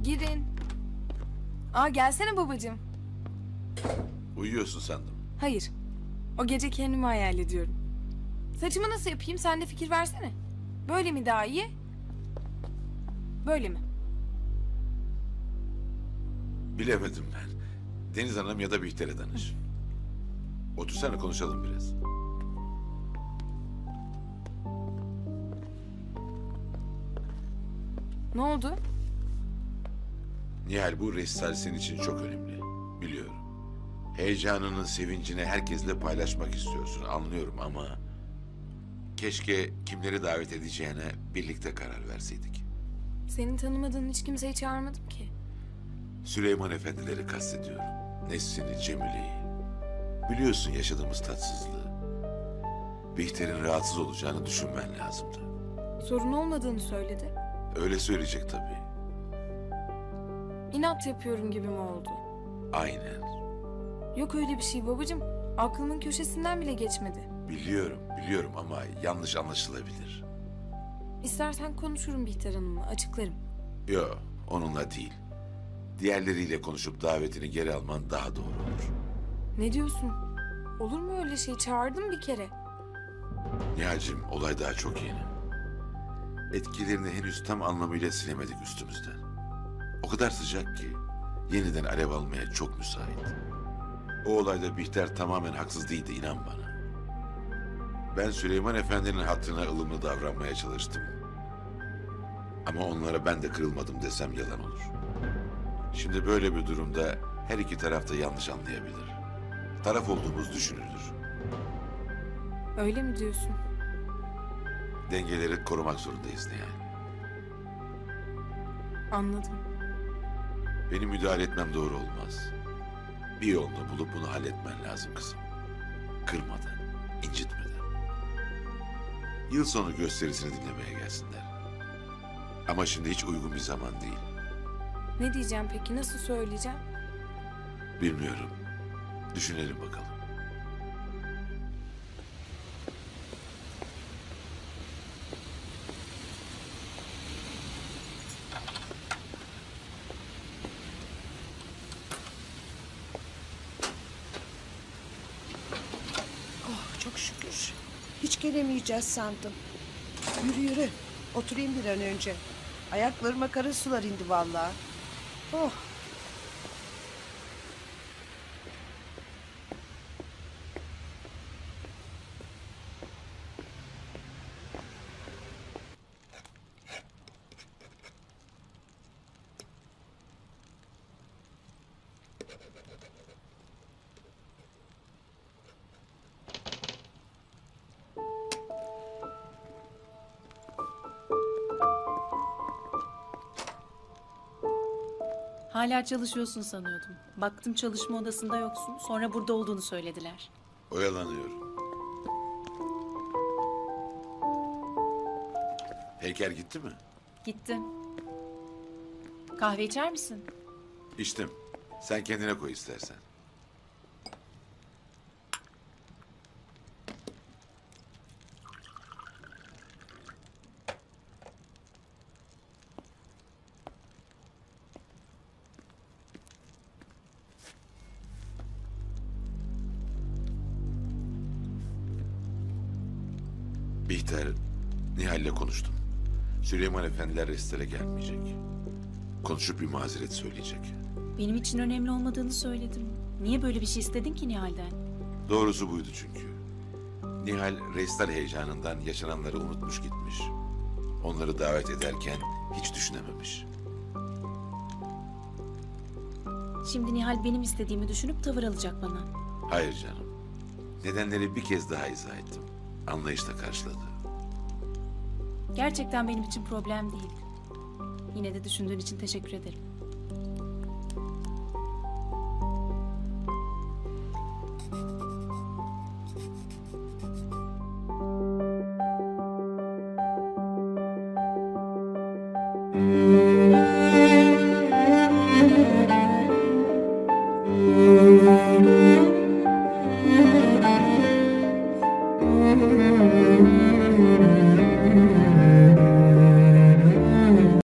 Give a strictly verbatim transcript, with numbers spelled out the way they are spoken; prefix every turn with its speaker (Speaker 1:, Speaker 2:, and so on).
Speaker 1: Girin. Aa gelsene babacığım.
Speaker 2: Uyuyorsun sandım.
Speaker 1: Hayır. O gece kendimi hayal ediyorum. Saçımı nasıl yapayım? Sen de fikir versene. Böyle mi daha iyi? Böyle mi?
Speaker 2: Bilemedim ben. Deniz Hanım ya da Bihter'e danış. Otursana konuşalım biraz.
Speaker 1: Ne oldu?
Speaker 2: Nihal, bu resital senin için çok önemli. Biliyorum. Heyecanının sevincini herkesle paylaşmak istiyorsun, anlıyorum ama... Keşke kimleri davet edeceğine birlikte karar verseydik.
Speaker 1: Senin tanımadığın hiç kimseyi çağırmadım ki.
Speaker 2: Süleyman Efendileri kastediyorum. Nesrin'i, Cemile'yi. Biliyorsun yaşadığımız tatsızlığı. Bihter'in rahatsız olacağını düşünmen lazımdı.
Speaker 1: Sorun olmadığını söyledi.
Speaker 2: Öyle söyleyecek tabii.
Speaker 1: İnat yapıyorum gibi mi oldu?
Speaker 2: Aynen.
Speaker 1: Yok öyle bir şey babacığım. Aklımın köşesinden bile geçmedi.
Speaker 2: Biliyorum, biliyorum ama yanlış anlaşılabilir.
Speaker 1: İstersen konuşurum Bihter Hanım'la, açıklarım.
Speaker 2: Yo, onunla değil. Diğerleriyle konuşup davetini geri alman daha doğru olur.
Speaker 1: Ne diyorsun? Olur mu öyle şey? Çağırdım bir kere.
Speaker 2: Nihal'cim, olay daha çok yeni. Etkilerini henüz tam anlamıyla silemedik üstümüzden. O kadar sıcak ki yeniden alev almaya çok müsait. O olayda Bihter tamamen haksız değildi, inan bana. Ben Süleyman Efendi'nin hatırına ılımlı davranmaya çalıştım. Ama onlara ben de kırılmadım desem yalan olur. Şimdi böyle bir durumda her iki taraf da yanlış anlayabilir. Taraf olduğumuz düşünülür.
Speaker 1: Öyle mi diyorsun?
Speaker 2: Dengeleri korumak zorundayız Nihal.
Speaker 1: Anladım.
Speaker 2: Benim müdahale etmem doğru olmaz. Bir yolunu bulup bunu halletmen lazım kızım. Kırmadan, incitmeden. Yıl sonu gösterisini dinlemeye gelsinler. Ama şimdi hiç uygun bir zaman değil.
Speaker 1: Ne diyeceğim peki? Nasıl söyleyeceğim?
Speaker 2: Bilmiyorum. Düşünelim bakalım.
Speaker 3: Oh, çok şükür. Hiç gelemeyeceğiz sandım. Yürü yürü. Oturayım bir an önce. Ayaklarıma kara sular indi vallahi. Oh.
Speaker 4: Hala çalışıyorsun sanıyordum. Baktım çalışma odasında yoksun. Sonra burada olduğunu söylediler.
Speaker 2: Oyalanıyorum. Heykel gitti mi?
Speaker 4: Gitti. Kahve içer misin?
Speaker 2: İçtim. Sen kendine koy istersen. Bihter, Nihal'le konuştum. Süleyman Efendiler restore gelmeyecek. Konuşup bir mazeret söyleyecek.
Speaker 4: Benim için önemli olmadığını söyledim. Niye böyle bir şey istedin ki Nihal'den?
Speaker 2: Doğrusu buydu çünkü. Nihal restal heyecanından yaşananları unutmuş gitmiş. Onları davet ederken hiç düşünememiş.
Speaker 4: Şimdi Nihal benim istediğimi düşünüp tavır alacak bana.
Speaker 2: Hayır canım. Nedenleri bir kez daha izah ettim. Anlayışla karşıladı.
Speaker 4: Gerçekten benim için problem değil. Yine de düşündüğün için teşekkür ederim.
Speaker 5: Müzik